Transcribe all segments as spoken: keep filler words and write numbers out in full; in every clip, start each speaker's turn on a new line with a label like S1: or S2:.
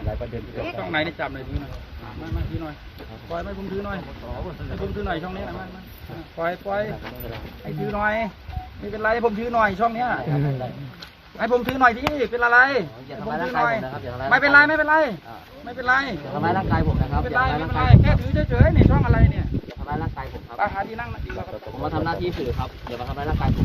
S1: ลายประเด็น
S2: ช่องไหนได้จับหน่อยทีหน่อยมามาทีหน่อยปล่อยไม่ผมถือหน่อยให้ผมถือหน่อยช่องนี้นะมาปล่อยปล่อยให้ถือหน่อยไม่เป็นไรผมถือหน่อยช่องเนี้ยให้ผมถือหน่อยที่เป็นอะไรผมถือหน่อยไม่เป็นไรไม่เป็นไรไม่เป็นไร
S1: ทำร้ายร่างกายผมนะครับ
S2: ไม่เป็นไรไม่เป็นไรแค่ถือเฉยๆนี่ช่องอะไรเนี่ย
S1: ทำร้ายร่างกายผมครับ
S2: ไปหาที่นั่งดีกว่า
S1: ผมมาทำหน้าที่สื่อครับเดี๋ยวมาทำร้ายร่างกายผม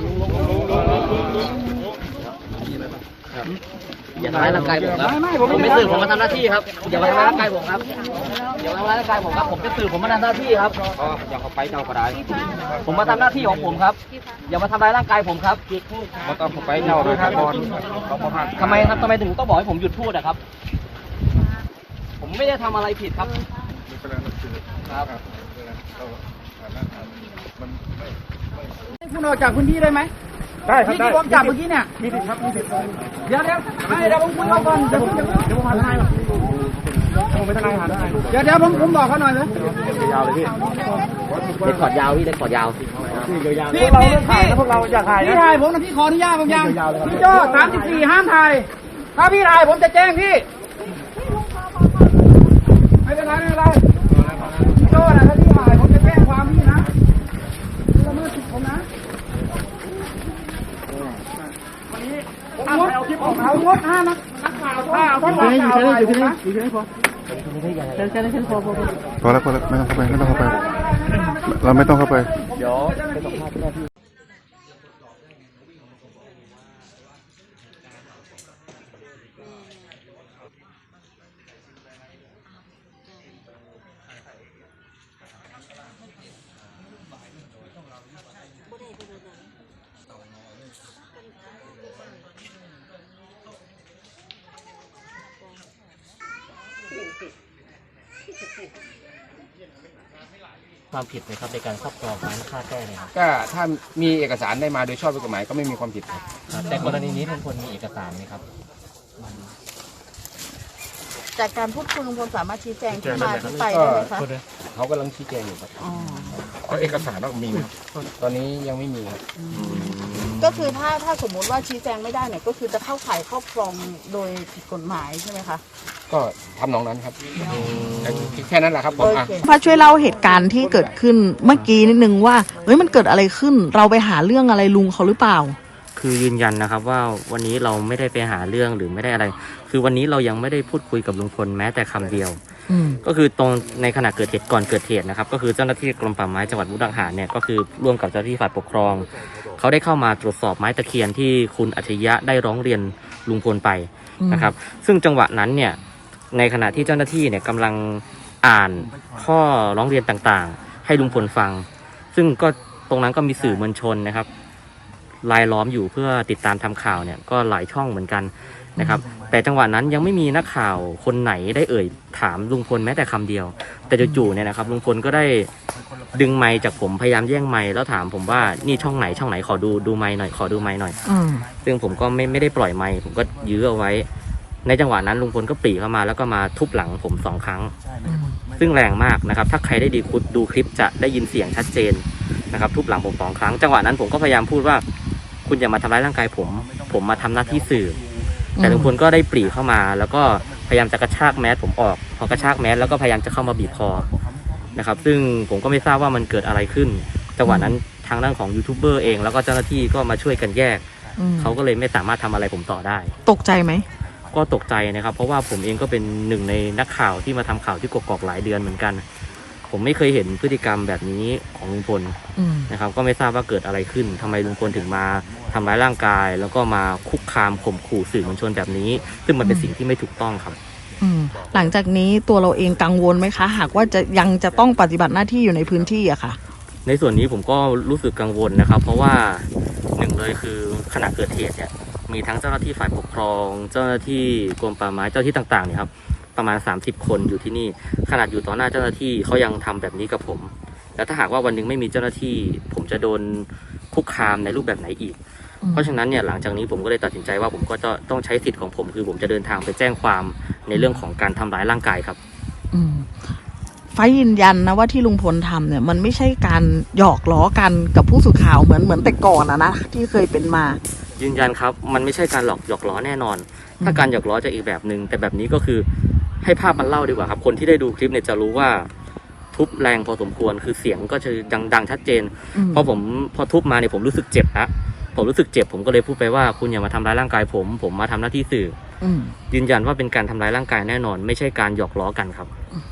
S1: อย่าทำร้ายร่างกายผมครับผมเป็นสื่อผมมาทำหน้าที่ครับอย่ามาทำร้ายร่างกายผมครับอย่ามาทำร้ายร่างกายผมครับผมเป็นสื่อผมมาทำหน้าที่ครับอย่าเข้าไปเจ้าก็ได้ผมมาทำหน้าที่ของผมครับอย่ามาทำร้ายร่างกายผมครับ
S2: มาต้องเข้าไปเจ้านะครับบอล
S1: ทำไมครับทำไมถึงต้องบอกให้ผมหยุดพูดนะครับผมไม่ได้ทำอะไรผิดครับครับ
S2: คุณออกจากพื้นที่ได้ไหมได้ครับได้ที่ผมจับเมื่อกี้เนี่ยมีสิทธิ์ครับมีสิทธิ์เดี๋ยวเดี๋ยวไม่เดี๋ยวผมคุยก่อนเดี๋ยวผมเดี๋ยวผมหาทนายก่อนผมไปทนายหาทนายเดี๋ยวเดี๋ยวผมผมบอกเขาหน่อยนะ
S1: ยาวเลยพี่เด็กขอดยาวพี่เด็กขอดยาวพี่
S2: พี่พี่พี่พวกเราอยากถ่ายพี่ถ่ายผมนะพี่ขออนุญาตผมยังพี่โจ้สามสิบสี่ห้ามถ่ายถ้าพี่ถ่ายผมจะแจ้งพี่ไม่เป็นไรไม่เป็นไรพี่โจ้นะถ้าพี่ถ่ายผมจะแจ้งความพี่นะพี่ละเมิดสิทธิ์ผมนะวันนี้ผมงดเอาคลิปของเขางดห้านักนักข่าวถ้าเอาต้องข่าวถ่ายผมนะอยู่ที่ไหนพอแค่นั้นแค่พอพอ
S3: พอแล้วพอแล้วไม่ต้องเข้าไปไม่ต้องเข้าไปเราไม่ต้องเข้าไป
S1: เดี๋ยวไปสัมภาษณ์หน้าที่ความผิดไหมครับในการครอบครองไม้ฆ่าแก้เนี่ยครับ
S2: ก็ถ้ามีเอกสารได้มาโดยชอบด้วยกฎหมายก็ไม่มีความผิดครับ
S1: แต่กรณีนี้ลุงพลมีเอกสารไหมครับ
S4: จากการพูดคุยลุงพลสามารถชี้แจงที่มาที่ไปได้ไหมคะ
S2: เขากำลังชี้แจงอยู่ครับก็เอกสารต้องมีตอนนี้ยังไม่มีครับ
S4: ก็คือถ้าถ้าสมมุติว่าชี้แจงไม่ได้เนี่ยก็คือจะเข้าข่ายครอบครองโดยผิดกฎหมายใช่ไหมคะ
S2: ก็ทำนองนั้นครับแค่นั้นแหละครับผม
S4: พระช่วยเล่าเหตุการณ์ที่เกิดขึ้นเมื่อกี้นิดนึงว่าเฮ้ยมันเกิดอะไรขึ้นเราไปหาเรื่องอะไรลุงเขาหรือเปล่า
S1: คือยืนยันนะครับว่าวันนี้เราไม่ได้ไปหาเรื่องหรือไม่ได้อะไรคือวันนี้เรายังไม่ได้พูดคุยกับลุงพลแม้แต่คำเดียวก็คือตรงในขณะเกิดเหตุก่อนเกิดเหตุนะครับก็คือเจ้าหน้าที่กรมป่าไม้จังหวัดมุกดาหารเนี่ยก็คือร่วมกับเจ้าหน้าที่ฝ่ายปกครองเขาได้เข้ามาตรวจสอบไม้ตะเคียนที่คุณอัจฉริยะได้ร้องเรียนลุงพลไปนะครับซึ่งจังหวะนั้นเนี่ยในขณะที่เจ้าหน้าที่เนี่ยกำลังอ่านข้อร้องเรียนต่างๆให้ลุงพลฟังซึ่งก็ตรงนั้นก็มีสื่อมวลชนนะครับรายล้อมอยู่เพื่อติดตามทำข่าวเนี่ยก็หลายช่องเหมือนกันนะครับแต่จังหวะนั้นยังไม่มีนักข่าวคนไหนได้เอ่ยถามลุงพลแม้แต่คำเดียวแต่จู่ๆเนี่ยนะครับลุงพลก็ได้ดึงไมค์จากผมพยายามแย่งไมค์แล้วถามผมว่านี่ช่องไหนช่องไหนขอดูดูไมค์หน่อยขอดูไมค์หน่อยซึ่งผมก็ไม่ไม่ได้ปล่อยไมค์ผมก็ยื้อเอาไว้ในจังหวะนั้นลุงพลก็ปรีเข้ามาแล้วก็มาทุบหลังผมสองครั้งซึ่งแรงมากนะครับถ้าใครได้ดีดูคลิปจะได้ยินเสียงชัดเจนนะครับทุบหลังผมสองครั้งจังหวะนั้นผมก็พยายามพูดว่าคุณอย่ามาทำร้ายร่างกายผมผมมาทำหน้าที่สื่อแต่ลุงพลก็ได้ปรีเข้ามาแล้วก็พยายามจะกระชากแมสผมออกพอกระชากแมสแล้วก็พยายามจะเข้ามาบีบคอนะครับซึ่งผมก็ไม่ทราบว่ามันเกิดอะไรขึ้นจังหวะนั้นทางด้านของยูทูบเบอร์เองแล้วก็เจ้าหน้าที่ก็มาช่วยกันแยกเขาก็เลยไม่สามารถทำอะไรผมต่อได้
S4: ตกใจไหม
S1: ก็ตกใจนะครับเพราะว่าผมเองก็เป็นหนึ่งในนักข่าวที่มาทำข่าวที่กกอกหลายเดือนเหมือนกันผมไม่เคยเห็นพฤติกรรมแบบนี้ของลุงพลนะครับก็ไม่ทราบว่าเกิดอะไรขึ้นทำไมลุงพลถึงมาทำร้ายร่างกายแล้วก็มาคุกคามข่มขู่สื่อมวลชนแบบนี้ซึ่งมันเป็นสิ่งที่ไม่ถูกต้องครับ
S4: หลังจากนี้ตัวเราเองกังวลไหมคะหากว่าจะยังจะต้องปฏิบัติหน้าที่อยู่ในพื้นที่อะค่ะ
S1: ในส่วนนี้ผมก็รู้สึกกังวลนะครับเพราะว่าหนึ่งเลยคือขณะเกิดเหตุเนี่ยมีทั้งเจ้าหน้าที่ฝ่ายปกครองเจ้าหน้าที่กรมป่าไม้เจ้าที่ต่างๆเนี่ยครับประมาณสามสิบคนอยู่ที่นี่ขนาดอยู่ต่อหน้าเจ้าหน้าที่เขายังทำแบบนี้กับผมแล้วถ้าหากว่าวันนึงไม่มีเจ้าหน้าที่ผมจะโดนคุกคามในรูปแบบไหนอีกเพราะฉะนั้นเนี่ยหลังจากนี้ผมก็เลยตัดสินใจว่าผมก็จะต้องใช้สิทธิ์ของผมคือผมจะเดินทางไปแจ้งความในเรื่องของการทำร้ายร่างกายครับ
S4: ไฟยืนยันนะว่าที่ลุงพลทำเนี่ยมันไม่ใช่การหยอกล้อกันกับผู้สื่อข่าวเหมือนเหมือนแต่ก่อนอะนะที่เคยเป็นมา
S1: ยืนยันครับมันไม่ใช่การหลอกหยอกล้อแน่นอน ถ้าการหยอกล้อจะอีกแบบหนึ่งแต่แบบนี้ก็คือให้ภาพมันเล่าดีกว่าครับคนที่ได้ดูคลิปเนี่ยจะรู้ว่าทุบแรงพอสมควรคือเสียงก็จะดังดังชัดเจนพอผมพอทุบมาเนี่ยผมรู้สึกเจ็บนะผมรู้สึกเจ็บผมก็เลยพูดไปว่าคุณอย่ามาทำร้ายร่างกายผมผมมาทำหน้าที่สื่อยืนยันว่าเป็นการทำร้ายร่างกายแน่นอน ไม่ใช่การหยอกล้อกันครับ
S4: อืม